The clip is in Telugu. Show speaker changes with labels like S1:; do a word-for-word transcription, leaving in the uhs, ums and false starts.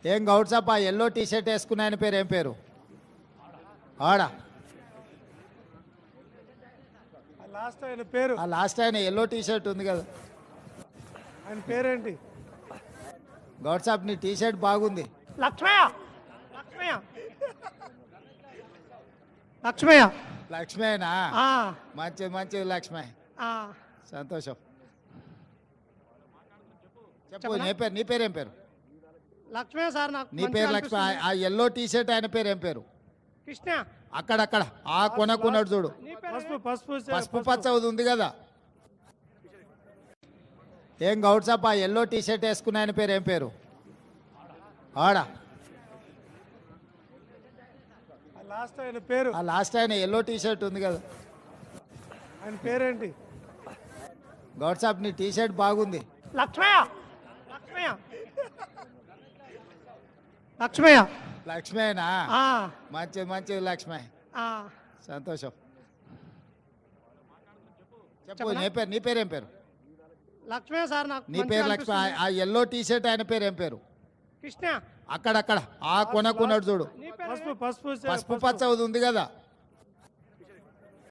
S1: ఏం గౌడ్సాప్ ఆ ఎల్లో టీ షర్ట్ వేసుకున్న ఆయన పేరు ఏం పేరు? ఆడా
S2: లాస్ట్ ఆయన పేరు
S1: ఆ లాస్ట్ ఆయన ఎల్లో టీ షర్ట్ ఉంది కదా,
S2: ఆయన పేరేంటి?
S1: గౌడ్సాప్ నీ టీ షర్ట్ బాగుంది.
S2: లక్ష్మయ్య లక్ష్మయ్య లక్ష్మయ్య
S1: లక్ష్మేనా?
S2: ఆ,
S1: మంచిది మంచిది లక్ష్మే,
S2: ఆ.
S1: సంతోషం. చెప్పు
S2: చెప్పనా?
S1: నీ పేరు నీ పేరు ఏం పేరు?
S2: లక్ష్మయ్య సార్ నాకు
S1: నీ
S2: మంచిగా
S1: పేరు లక్ష్మి. ఆ-
S2: అనిపిస్తుంది.
S1: ఆ ఎల్లో టీ షర్ట్ ఆయన పేరు ఏం పేరు?
S2: కృష్ణ
S1: అక్కడక్కడ ఆ కొనకున్నాడు చూడు,
S2: నీ పేరు పసుపు పసుపు
S1: పసుపు పచ్చ ఉంది కదా. ఏం గౌడ్సాప్ ఆ ఎల్లో టీ షర్ట్ వేసుకున్న ఆయన పేరు ఏం పేరు? ఆడా
S2: లాస్ట్ ఆయన పేరు
S1: ఆ లాస్ట్ ఆయన ఎల్లో టీ షర్ట్ ఉంది కదా,
S2: ఆయన పేరేంటి?
S1: గౌడ్సాప్ నీ టీ షర్ట్ బాగుంది.
S2: లక్ష్మయ్య లక్ష్మయ్య లక్ష్మయ్య
S1: లక్ష్మేనా?
S2: ఆ,
S1: మంచిది మంచిది లక్ష్మే,
S2: ఆ.
S1: సంతోషం. చెప్పు
S2: చెప్పనా?
S1: నీ పేరు నీ పేరు ఏం పేరు?
S2: లక్ష్మయ్య సార్ నాకు
S1: నీ
S2: మంచిగా
S1: పేరు లక్ష్మి. ఆ-
S2: అనిపిస్తుంది.
S1: ఆ ఎల్లో టీ షర్ట్ ఆయన పేరు ఏం పేరు?
S2: కృష్ణ
S1: అక్కడక్కడ ఆ కొనకున్నాడు చూడు,
S2: నీ పేరు పసుపు పసుపు
S1: పసుపు పచ్చ ఉంది కదా.